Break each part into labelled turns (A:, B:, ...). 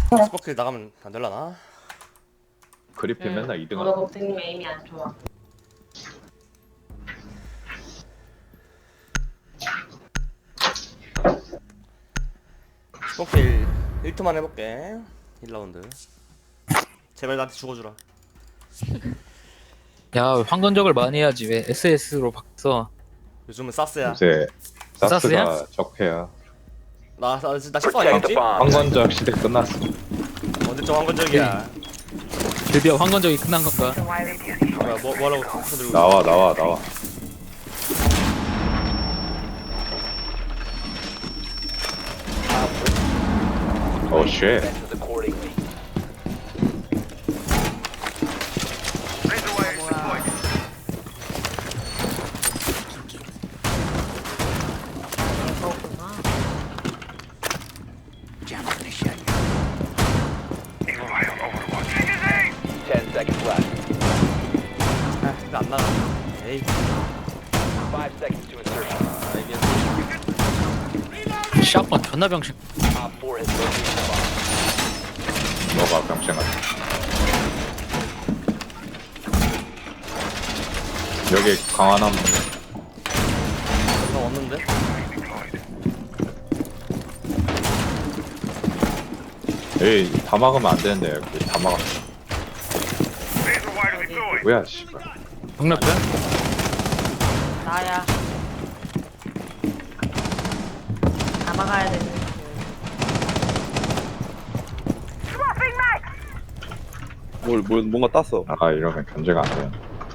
A: 스포킬 나가면 안 될라나?
B: 그리핀 맨날 2등
C: 저도
B: 하고.
C: 복생님 에임이 안 좋아.
A: 스포킬 1투만 해볼게. 1라운드. 제발 나한테 죽어주라.
D: 야, 황건적을 많이 해야지. 왜 SS로 바뀌어?
A: 요즘은 사스야.
B: 요새 사스가
D: 사스야?
B: 적폐야.
A: 나 실수 아니겠지?
B: 황건적 시대 끝났어.
A: 언제적 한건적이야.
D: 드디어 황건적이 끝난 건가?
A: 뭐라고 손 들고
B: 나와. 오 쉣.
C: 그렇구나.
A: 근데 안 나가. 에이.
D: 샷건 존나 병신.
B: 너가 병신아. 여기 강화나무.
A: 나 왔는데?
B: 에이 다 막으면 안 되는데 여기 다 막았어. 뭐야 씨발.
D: 병력별?
C: 나야. 다 막아야 되는.
E: 뭔가 땄어.
B: 아 이러면 견제가 안 돼.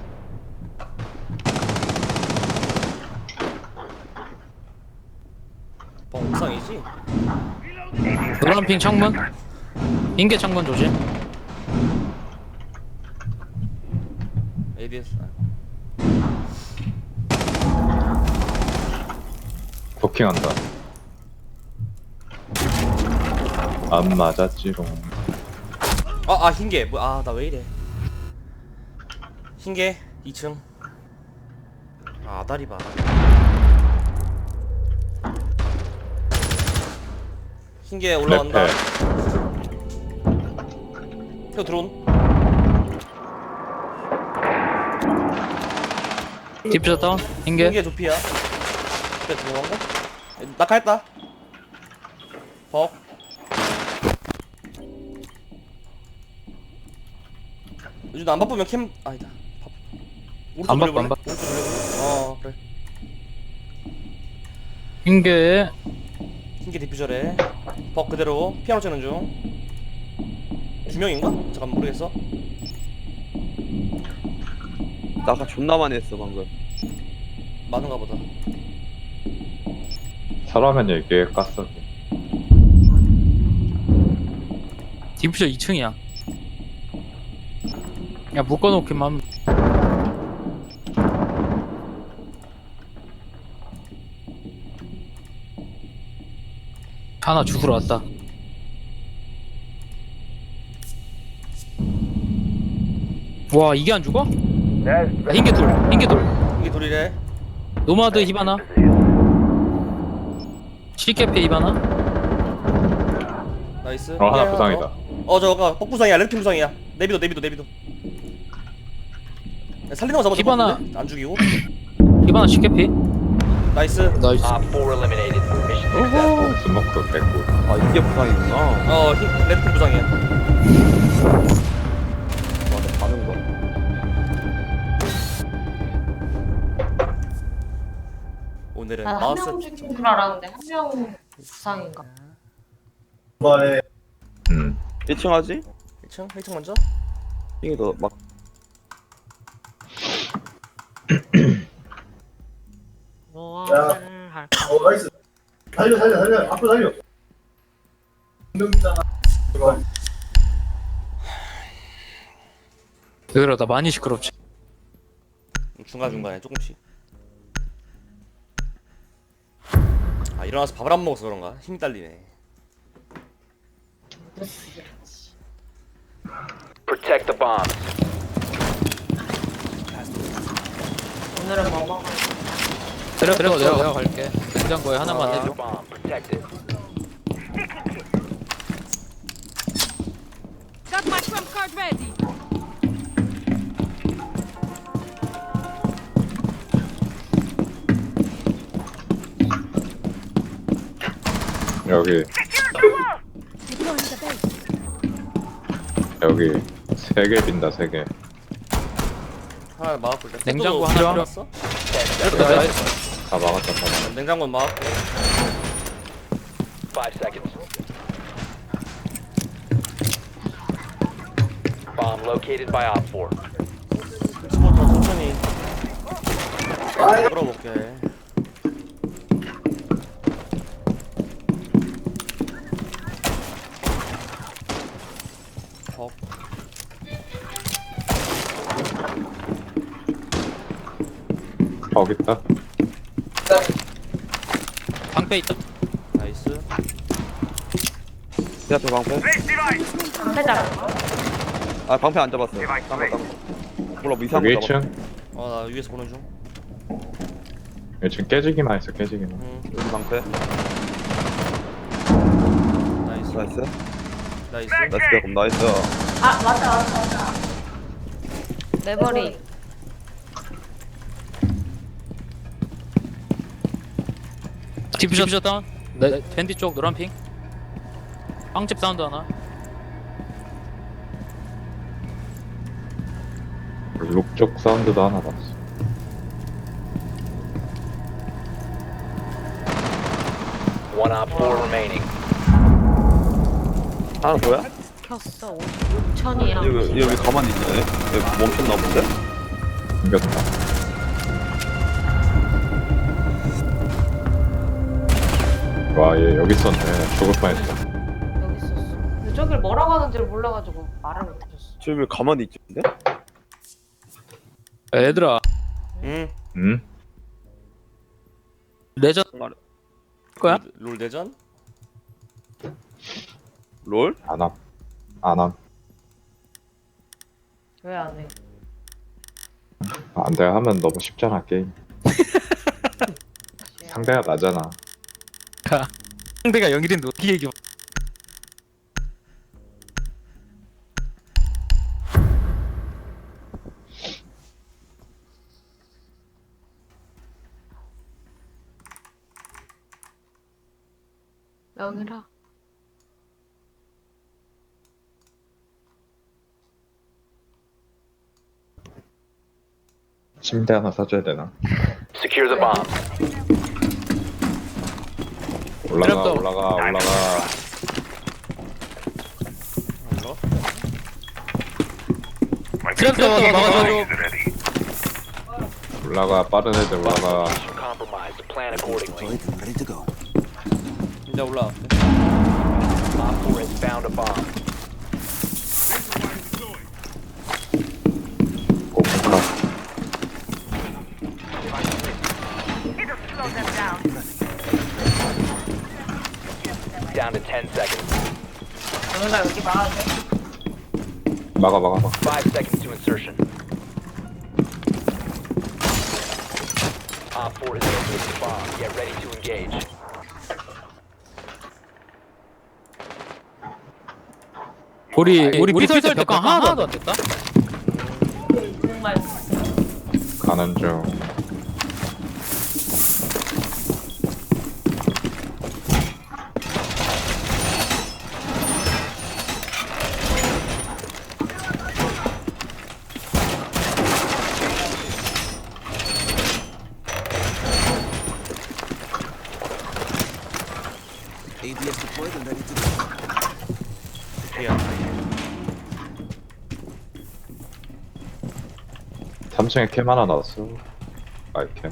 A: 옥상이지?
D: 노란핑 창문? 인계 창문 조심.
A: ABS.
B: 도킹한다. 안 맞았지롱.
A: 흰개. 나 왜 이래. 흰개 2층. 아다리 봐. 흰개 올라간다. 표 드론.
D: 디퓨저 다운? 인계?
A: 흰개 조피야. 그래 들어간가? 낙하했다. 벅. 요즘 안 바쁘면 캠 아니다.
D: 안 바빠,
A: 돌려볼래?
D: 안 바빠.
A: 오른쪽 돌려볼래? 그래.
D: 인계.
A: 흰개 디퓨저래. 벅 그대로 피아노 치는 중. 두 명인가? 잠깐 모르겠어.
E: 나 아까 존나 많이 했어 방금.
A: 많은가 보다.
B: 사람은 얘기해 깠어.
D: 디퓨저 2층이야. 야, 묶어놓기만. 하나 죽으러 왔다. 와, 이게 안 죽어? 야, 흰개 돌.
A: 흰개 돌이래.
D: 노마드 히바나. 시케페 히바나.
A: 나이스.
B: 하나 부상이다.
A: 저거 뻑부상이야. 레드팀 부상이야. 내비도. 야, 살리는 거 잡아줘.
D: 기반아.
A: 안 죽이고.
D: 히바나 시케페.
A: 나이스.
D: 나이스.
B: 오호 스모크 뺏고.
E: 아 이게 부상이구나.
A: 레드팀 부상이야.
E: 와, 가는 거.
A: 오늘은
C: 난 한
A: 마우스.
C: 명 죽인 줄 알았는데 한 명 부상인가?
E: 1층 하지?
A: 1층 먼저.
E: 이게 더 막.
C: 무엇을 할까?
F: 나이스. 살려. 앞으로 살려. 운동 있잖아.
D: 왜 그러다 많이 시끄럽지.
A: 중간중간에 조금씩. 일어나서 밥을 안 먹어서 그런가? 힘이 딸리네.
G: Protect the bomb.
C: 오늘은 뭐 먹어?
D: 그래 내가 갈게. 냉장고에 하나만 해줘.
G: Bomb protected.
H: Charge ready.
B: 여기 여기 3개 빈다 3개.
A: 하나 막았고 일단.
D: 냉장고
A: 또
D: 하나
A: 필요했어?
B: 다 막았다 다 막았다.
A: 냉장고는 막았고.
G: 5 seconds. Bomb located by Op 4.
A: 스포터 천천히 끌어볼게. 벅.
B: 거기 있다.
D: 방패 있다.
A: 나이스.
E: 제 앞에 방패.
C: 방패 잡은 거?
E: 아 방패 안 잡았어. 딴거 몰라 뭐 이상한
B: 여기
E: 거 잡았어.
B: 1층.
A: 나 위에서 보는 중.
B: 1층 깨지기만 했어 깨지기만.
E: 여기 방패.
A: 나이스.
E: 나이스.
A: 나이스.
E: 나이스 그럼 나이스.
C: 아 맞다. 매버리.
D: 디퓨저 다운. 네, 밴디 쪽 노란 핑. 빵집 사운드 하나.
B: 룩 쪽 사운드도 하나 났어.
G: One Op 4 remaining.
E: 하나 뭐야?
C: 켰어. 5천이야.
E: 얘왜 가만히 있냐 얘? 얘 멈췄나 본데?
B: 생겼다. 와 얘 여기 있었네. 죽을 뻔했어.
C: 여기 있었어. 근데 저길 뭐라고 하는지를 몰라가지고 말을 못해줬어.
E: 쟤왜 가만히 있지 근데?
D: 얘들아,
A: 응.
B: 응?
D: 레전 거야?
A: 롤 대전?
E: 롤?
B: 안함. 안함.
C: 왜 안 해?
B: 안돼 하면 너무 쉽잖아 게임. 상대가 나잖아.
D: 상대가 영일인데 어떻게 얘기해?
C: 여기라.
B: 침대 하나 사줘야 되나?
G: Secure the bomb.
B: 올라가
D: 트랩도.
B: 올라가 올라가.
A: 이거?
D: 트랩도 막아줘.
B: 올라가 빠른 애들 올라가.
G: Location compromised. Plan accordingly.
A: 이제 올라갈게.
G: Op 4 has found a bomb.
B: 오픈카.
G: Down to 10 seconds.
C: 여기가 여기 막아줘.
B: 막아 막아 막아.
G: 5 seconds to insertion. Op 4 has located the bomb. Get ready to engage.
D: 우리 피설 때 벽강 하나도 안 됐다.
C: 정말
B: 가는 중.
A: 미안.
B: 3층에 캠 하나 나왔어. 아이캠.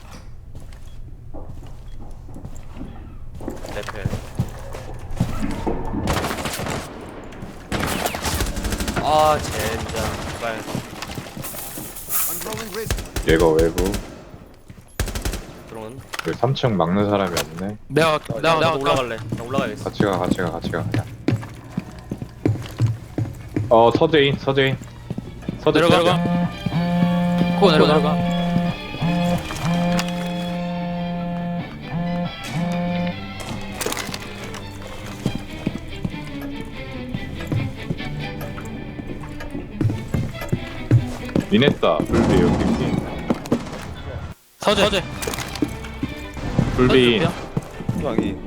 A: 레펠. 아 젠장. 빨.
B: 얘가 외부.
A: 그러면
B: 여기 3층 막는 사람이 없네.
D: 내가
A: 나 올라갈래. 나 올라가야겠어.
B: 같이 가 같이 가 같이 가. 서재인 서재
D: 내려가. 코 내려가.
B: 미냈다. 불비 여기 핑.
D: 서재.
B: 불비
E: 형이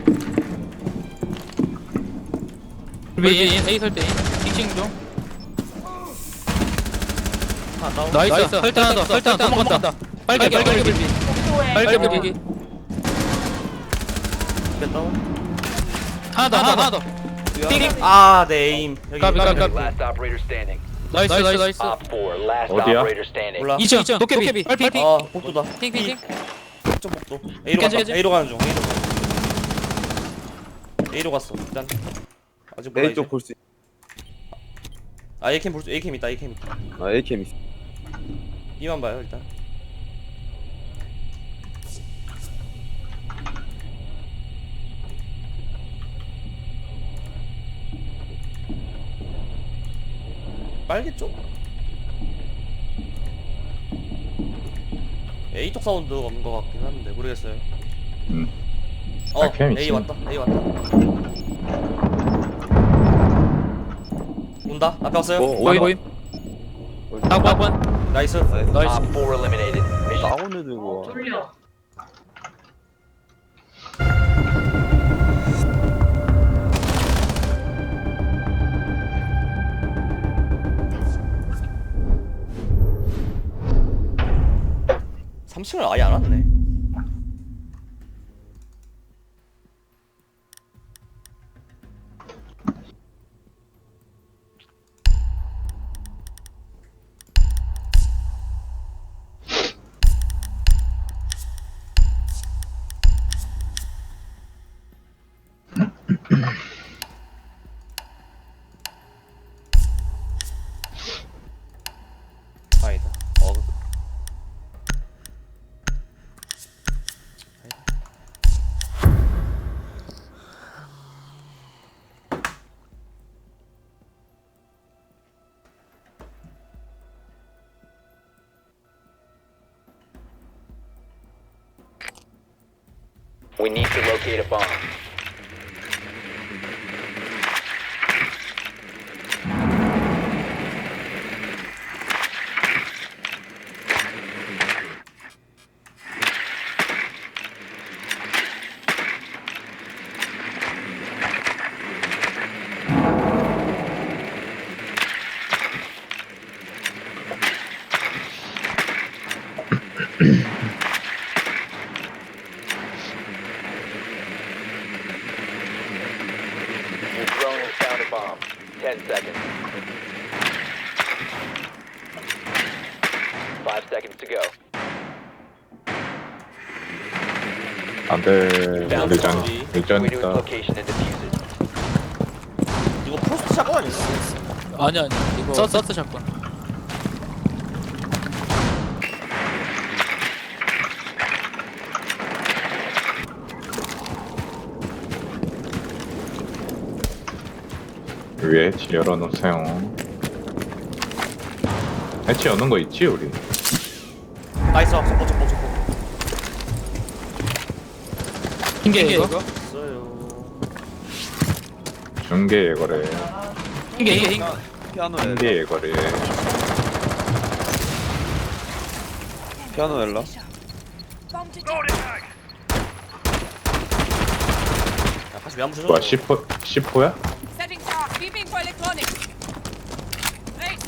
D: 불비 A 설대 킹킹 중.
A: 하나 다운.
D: 나이스. 설대 하나 더. 설대 하나 더 먹는다. 빨개 불비.
C: 복도에
D: 빨개 불비.
A: 몇 다운.
D: 하나 더.
A: 아, 내 에임. 여기.
D: 까비.
G: Last operator standing.
D: 나이스.
G: Op 4, last
B: 어디야?
G: operator standing.
A: 몰라.
D: 2층 도깨비. 빨핑.
A: 아, 복도다.
D: 핑.
A: 좀 복도. A로
D: 깨져,
A: 갔다.
D: 깨져.
A: A로 가는 중. A로 갔어. 일단 아직 몰라.
E: A 쪽 볼 수.
A: 아, A캠 볼수 A캠 있다. A캠 있다.
E: 아 A캠 있어.
A: B만 봐요, 일단. 빨개 쪽? A 쪽 사운드가 없는 것 같긴 한데 모르겠어요.
B: 아, 캠
A: A
B: 있지.
A: 왔다. A 왔다. 온다. 앞에 왔어요.
D: 보임. 하관.
A: 나이스.
D: 나이스.
G: Op 4 eliminated. Mission
E: 나오는 거.
C: 돌려.
A: 삼층을 아예 안 왔네. 아니다.
G: We need to locate a bomb. Your drone has found a bomb. 10 seconds. 5 seconds to go.
B: 안돼.
G: Found
B: 일전
G: the bomb.
B: 일전
G: We to its
B: 있다.
G: location and defuse it.
A: 이거 프로스트 샷건 아니야?
D: 아니 이거 서트 샷건.
B: 위에 해치 열어놓으세요. 해치 여는 거 있지 우리?
A: 나이스. 첩보.
D: 핑계 이거.
A: 있어요.
B: 중계 예거래.
D: 핑계.
E: 피아노
B: 중계 예거래.
E: 피아노 엘라.
A: 야, 다시 왜안 부셔줘?
B: 뭐야 10호야?
H: Setting fire. Beeping for electronics. Right.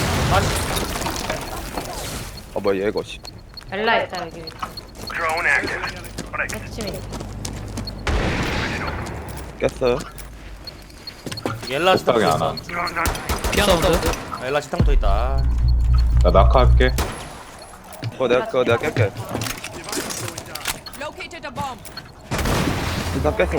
E: 아 뭐야 얘거 씨.
C: 엘라 있다 여기. 핵심이.
E: 깼어요?
A: 엘라 식당도
B: 식당이 안
A: 있어.
B: 와.
D: 피아노 사운드.
A: 엘라 식당도 있다.
B: 나 낙하할게.
E: 그거 내가 깰게.
H: Located a bomb.
E: 일단 깼어.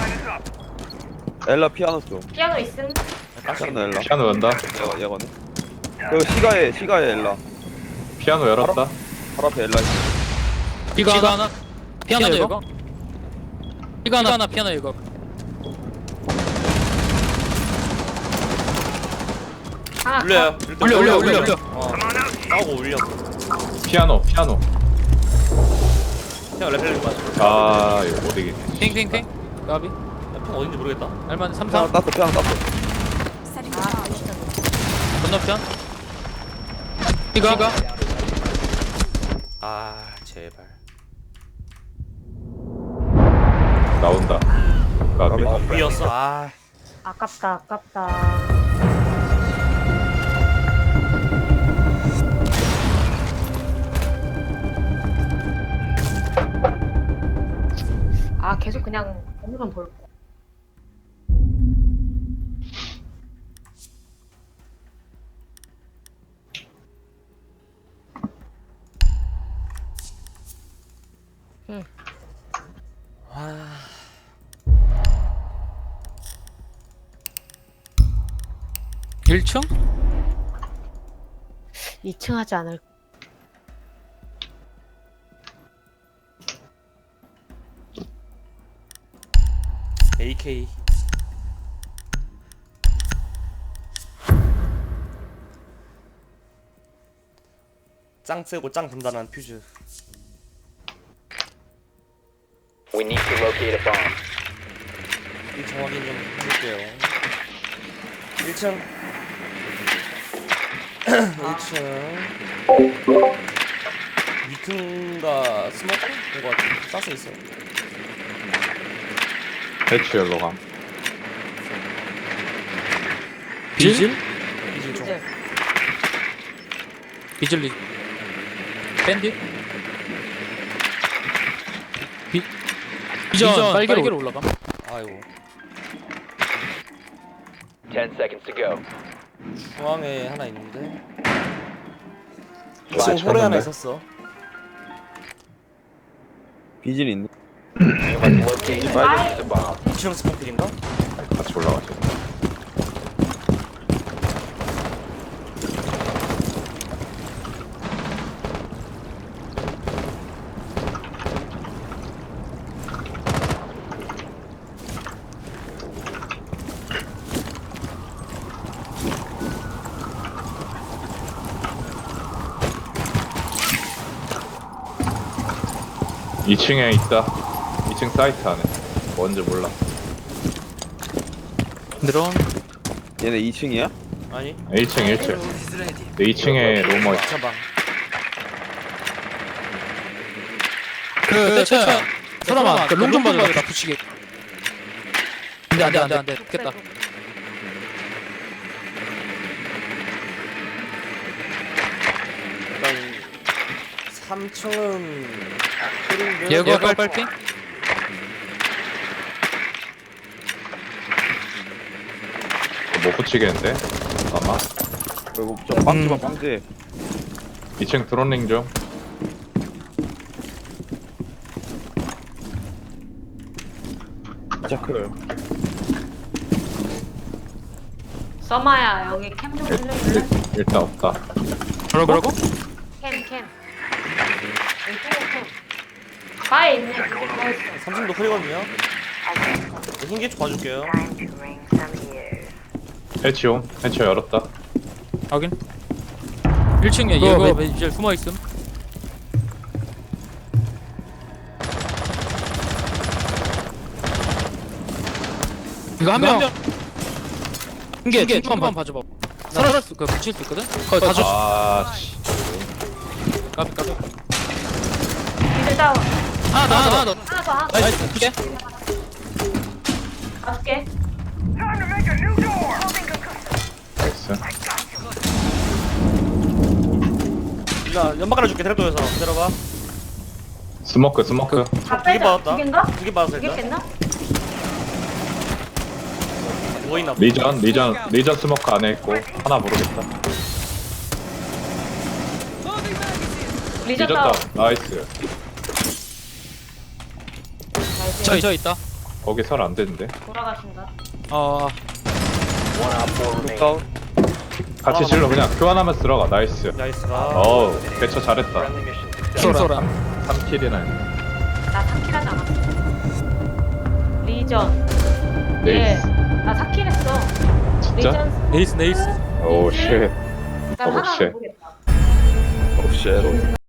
E: 엘라 피아노 쪽.
C: 피아노 있음.
E: 피아노 엘라.
B: 피아노 연다.
E: 얘거네. 그 시가에 엘라.
B: 피아노 열었다.
E: 바로 앞에 엘라 있어.
D: 이거 하나. 피아노 이거. 이거 하나 피아노 이거.
C: 하나.
A: 울려요.
D: 울려.
A: 싸우고 울려.
B: 피아노.
A: 그냥 레펠링 맞아.
B: 아 이거 못 이기네.
D: 핑. 가비.
A: 편 어딘지 모르겠다.
D: 알만 3
E: 피아노
D: 3.
E: 땄어. 피아노 땄어.
H: Setting
C: 아,
H: fire.
D: 건너편. 이거
A: 아 제발.
B: 나온다. 까비.
A: 위였어. 아
C: 아깝다 아깝다. 아 계속 그냥 오늘만 볼 거.
A: 아.
D: 1층?
C: 2층 하지 않을.
A: AK. 짱 세고 짱 단단한 퓨즈.
G: We need to locate a bomb.
A: 1층 확인 좀 해볼게요. 1층. 1층. 위튼가 스모크? 이거 같아. 사스 있어.
B: 배치 열로 감.
D: 비질?
A: 이질 좀.
C: 이제
D: 비질리 밴딧? 비전 빨개로 올라가.
A: 아이고.
G: 10 seconds to go.
A: 중앙에 하나 있는데.
B: 와,
A: 지금 홀에 하나
B: 쳤는데?
A: 있었어.
E: 비질 있네.
G: You must locate and defuse the bomb.
A: 2층 스모크인가?
B: 같이 올라가죠. 이층에 있다. 2층 사이트 안에. 뭔지 몰라.
D: 드론
E: 얘네 2층이야?
A: 아니.
B: 1층 1층. 2층에 로머 있어.
A: 잠깐.
D: 그 최초야 사람아 그 롱 좀 봐줘 나 붙이게. 안돼 됐다.
A: 일단 3층은 흐린데.
D: 예거 빨핑?
B: 못 붙이겠는데? 잠깐만.
E: 그리고 저 빵집아 빵집.
B: 2층 드론링 좀.
E: 자크.
C: 써마야 여기 캠 좀 빌려줄래?
B: 일단 없다.
D: 뭐라고?
C: 캠. 왼쪽에 캠. 바에 있네. 바에 있어.
A: 3층도 흐리거든요. 흰개 좀 봐줄게요.
B: 해치홈. 해치 열었다.
D: 확인. 1층에 예거 비질 숨어 있음. 이거 한 명. 이게 중간만 봐줘봐. 살아날 수, 그 붙일 수 있거든. 거기 다 줬어.
B: 아, 씨.
D: 까비.
C: 이제 다운.
D: 하나 더.
C: 하나 더.
D: 나이스. 이게.
C: 가줄게.
B: 나이스.
A: 일단 연막 하나 줄게. 트랩도에서 기다려봐.
B: 스모크.
C: 다
A: 두개
C: 빼자.
A: 받았다.
C: 두 개인가?
A: 2개 받았어
C: 두 개
A: 일단.
C: 뺐나?
A: 누워있나 봐.
B: 리전 스모크 안에 있고. 하나 모르겠다.
C: 리전
B: 리전
C: 다운.
B: 다운. 나이스.
C: 나이스.
D: 저 있다.
B: 거기 설 안 되는데.
C: 돌아가신다.
G: One op 4 remaining.
E: 다운.
B: 같이 질러 그냥 교환하면서 들어가. 나이스.
A: 나이스가.
B: 어우, 개처 잘했다.
G: Friendly mission success.
D: 쏘라.
B: 3킬이나 했네.
C: 나 3킬 하지 않았어. 리전.
B: 네이스.
C: 나 4킬 했어.
B: 진짜?
C: 리전.
D: 네이스.
B: 오, 쉣.
C: 난 하나
B: 쉣.
C: 모르겠다.
E: 오 쉣.